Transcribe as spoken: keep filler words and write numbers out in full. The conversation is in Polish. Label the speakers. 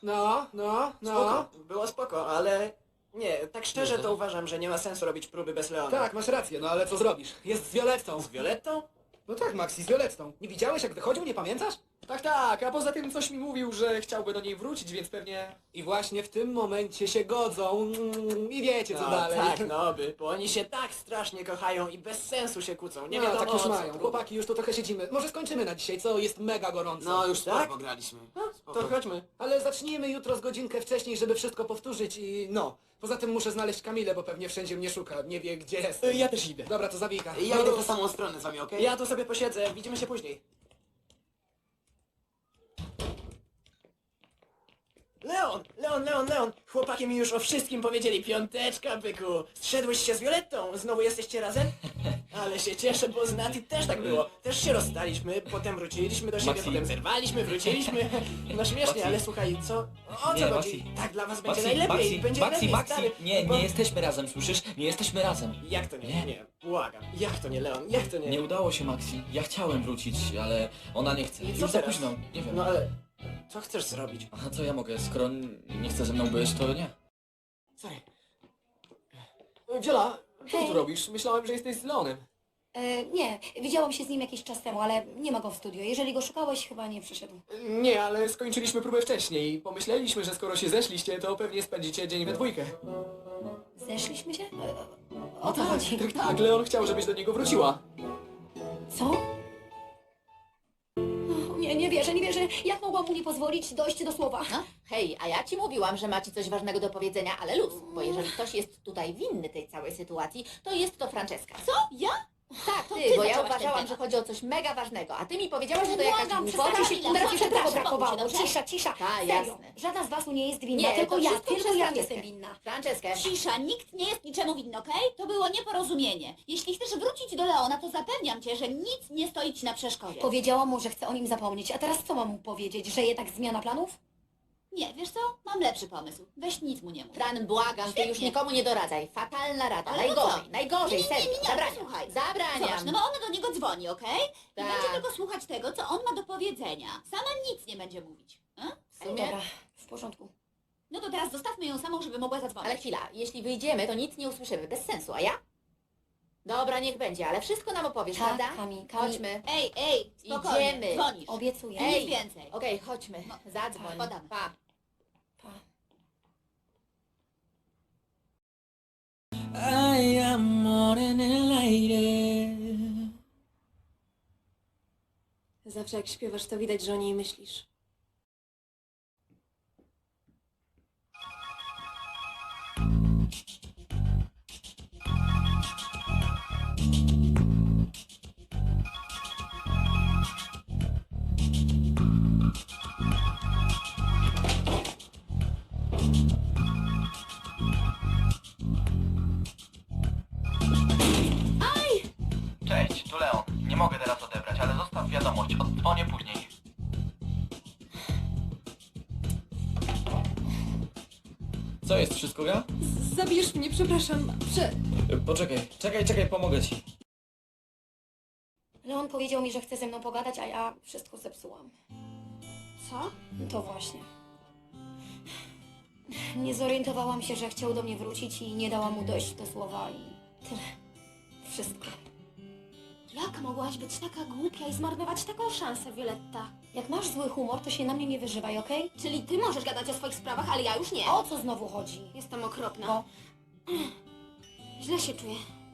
Speaker 1: No, no, no.
Speaker 2: Spoko, było spoko, ale... Nie, tak szczerze to uważam, że nie ma sensu robić próby bez Leona.
Speaker 1: Tak, masz rację, no ale co zrobisz? Jest z Violettą.
Speaker 2: Z Violettą?
Speaker 1: No tak, Maxi, z Violettą. Nie widziałeś, jak wychodził, nie pamiętasz?
Speaker 3: Tak, tak, a poza tym coś mi mówił, że chciałby do niej wrócić, więc pewnie...
Speaker 1: I właśnie w tym momencie się godzą mm, i wiecie co
Speaker 2: No,
Speaker 1: dalej.
Speaker 2: tak, no by, bo oni się tak strasznie kochają i bez sensu się kłócą. Nie
Speaker 1: No,
Speaker 2: wiadomo
Speaker 1: tak już
Speaker 2: o co
Speaker 1: mają.
Speaker 2: tu.
Speaker 1: Chłopaki, już tu trochę siedzimy. Może skończymy na dzisiaj, co? Jest mega gorąco.
Speaker 4: No już sporo
Speaker 2: Tak?
Speaker 4: pograliśmy.
Speaker 2: To chodźmy.
Speaker 1: Ale zacznijmy jutro z godzinkę wcześniej, żeby wszystko powtórzyć i no. Poza tym muszę znaleźć Kamilę, bo pewnie wszędzie mnie szuka. Nie wie, gdzie jest.
Speaker 3: Y, Ja też idę.
Speaker 1: Dobra, to zawika.
Speaker 4: Ja
Speaker 1: No,
Speaker 4: idę
Speaker 1: no.
Speaker 4: w tę samą stronę z wami, okej?
Speaker 2: Ja tu sobie posiedzę, widzimy się później. Leon, Leon, Leon, Leon! Chłopaki mi już o wszystkim powiedzieli. Piąteczka, byku! Zszedłeś się z Violettą! Znowu jesteście razem? Ale się cieszę, bo z Nati też tak było. Też się rozstaliśmy, potem wróciliśmy do siebie,
Speaker 5: Maxi.
Speaker 2: potem zerwaliśmy, wróciliśmy. No śmiesznie,
Speaker 5: Maxi.
Speaker 2: ale słuchaj, co? O co
Speaker 5: Nie,
Speaker 2: chodzi?
Speaker 5: Maxi.
Speaker 2: Tak dla was będzie
Speaker 5: Maxi,
Speaker 2: najlepiej,
Speaker 5: Maxi,
Speaker 2: będzie
Speaker 5: Maxi,
Speaker 2: lepiej,
Speaker 5: Maxi,
Speaker 2: stary.
Speaker 5: nie,
Speaker 2: Bo-
Speaker 5: nie jesteśmy razem, słyszysz? Nie jesteśmy razem.
Speaker 2: Jak to nie?
Speaker 5: Nie.
Speaker 2: Nie, błagam. Jak to nie, Leon? Jak to nie?
Speaker 5: Nie udało się, Maxi. Ja chciałem wrócić, ale ona nie chce.
Speaker 2: I co
Speaker 5: Już za
Speaker 2: teraz?
Speaker 5: późno, nie wiem.
Speaker 2: No ale... Co chcesz zrobić?
Speaker 5: A co ja mogę? Skoro nie chce ze mną być, to nie.
Speaker 2: Sorry.
Speaker 3: Wiola, co
Speaker 6: Hej.
Speaker 3: tu robisz? Myślałem, że jesteś z Leonem.
Speaker 6: E, nie, widziałam się z nim jakiś czas temu, ale nie ma go w studio. Jeżeli go szukałeś, chyba nie przyszedł.
Speaker 3: Nie, ale skończyliśmy próbę wcześniej. Pomyśleliśmy, że skoro się zeszliście, to pewnie spędzicie dzień we dwójkę.
Speaker 6: Zeszliśmy się? E, o co
Speaker 3: tak,
Speaker 6: chodzi?
Speaker 3: tak, tak, Leon chciał, żebyś do niego wróciła.
Speaker 6: Co? O, nie, nie wierzę, nie wierzę. Jak mogłam mu nie pozwolić dojść do słowa?
Speaker 7: No, hej, a ja ci mówiłam, że macie coś ważnego do powiedzenia, ale luz, bo jeżeli ktoś jest tutaj winny tej całej sytuacji, to jest to Franceska. Co? Ja? Tak,
Speaker 6: To
Speaker 7: ty,
Speaker 6: ty
Speaker 7: bo ja
Speaker 6: zaczęłaś ten
Speaker 7: uważałam,
Speaker 6: temat.
Speaker 7: że chodzi o coś mega ważnego, a ty mi powiedziałaś, że to jakaś
Speaker 6: Błagam,
Speaker 7: głupota.
Speaker 6: przestańcie się, teraz jeszcze tego
Speaker 7: Przepraszam,
Speaker 6: brakowało.
Speaker 7: dobrze?
Speaker 6: Cisza, cisza.
Speaker 7: Tak,
Speaker 6: Serio,
Speaker 7: jasne.
Speaker 6: żadna z was nie jest winna,
Speaker 7: Nie,
Speaker 6: tylko
Speaker 7: to
Speaker 6: ja,
Speaker 7: wszystko
Speaker 6: tylko
Speaker 7: przez
Speaker 6: ja
Speaker 7: Franceskę.
Speaker 6: jestem winna.
Speaker 7: Franceskę.
Speaker 8: Cisza, nikt nie jest niczemu winny, okej? To było nieporozumienie. Jeśli chcesz wrócić do Leona, to zapewniam cię, że nic nie stoi ci na przeszkodzie.
Speaker 6: Powiedziałam mu, że chcę o nim zapomnieć, a teraz co mam mu powiedzieć, że jednak zmiana planów?
Speaker 8: Nie, wiesz co? Mam lepszy pomysł. Weź nic mu nie mów.
Speaker 7: Fran, błagam, ty już
Speaker 8: Świetnie.
Speaker 7: nikomu nie doradzaj. Fatalna rada,
Speaker 8: Ale no
Speaker 7: najgorzej,
Speaker 8: co?
Speaker 7: najgorzej,
Speaker 8: Nie, nie, nie,
Speaker 7: serio.
Speaker 8: nie, nie,
Speaker 7: Zabraniam,
Speaker 8: posłuchaj.
Speaker 7: zabraniam.
Speaker 8: Zobacz, no bo on do niego dzwoni, okej? I
Speaker 7: Tak.
Speaker 8: będzie tylko słuchać tego, co on ma do powiedzenia. Sama nic nie będzie mówić. A?
Speaker 7: W sumie...
Speaker 6: Dobra, w porządku.
Speaker 8: No to teraz zostawmy ją samą, żeby mogła zadzwonić.
Speaker 7: Ale chwila, jeśli wyjdziemy, to nic nie usłyszymy, bez sensu, a ja? Dobra, niech będzie, ale wszystko nam opowiesz,
Speaker 6: Tak,
Speaker 7: prawda?
Speaker 6: Kami, Kami.
Speaker 7: Chodźmy.
Speaker 8: Ej, ej, spokojnie,
Speaker 7: Idziemy.
Speaker 8: dzwonisz.
Speaker 6: Obiecuję.
Speaker 8: Ej.
Speaker 7: Ej,
Speaker 8: Nic więcej.
Speaker 7: Okej, chodźmy,
Speaker 8: No,
Speaker 7: zadzwoń.
Speaker 8: podam.
Speaker 7: Pa.
Speaker 6: Pa.
Speaker 5: I am more than enlightened.
Speaker 9: Zawsze jak śpiewasz, to widać, że o niej myślisz.
Speaker 5: Cześć, tu Leon. Nie mogę teraz odebrać, ale zostaw wiadomość. Oddzwonię później. Co jest? Wszystko gra?
Speaker 9: Zabierz mnie, przepraszam. Prze...
Speaker 5: Y, Poczekaj, czekaj, czekaj, pomogę ci.
Speaker 6: Leon powiedział mi, że chce ze mną pogadać, a ja wszystko zepsułam.
Speaker 8: Co?
Speaker 6: To właśnie. Nie zorientowałam się, że chciał do mnie wrócić i nie dałam mu dojść do słowa i tyle. Wszystko.
Speaker 8: Jak mogłaś być taka głupia i zmarnować taką szansę, Violetta?
Speaker 6: Jak masz zły humor, to się na mnie nie wyżywaj, okej?
Speaker 8: Czyli ty możesz gadać o swoich sprawach, ale ja już nie.
Speaker 6: O co znowu chodzi?
Speaker 8: Jestem okropna.
Speaker 6: No.
Speaker 8: Źle się czuję.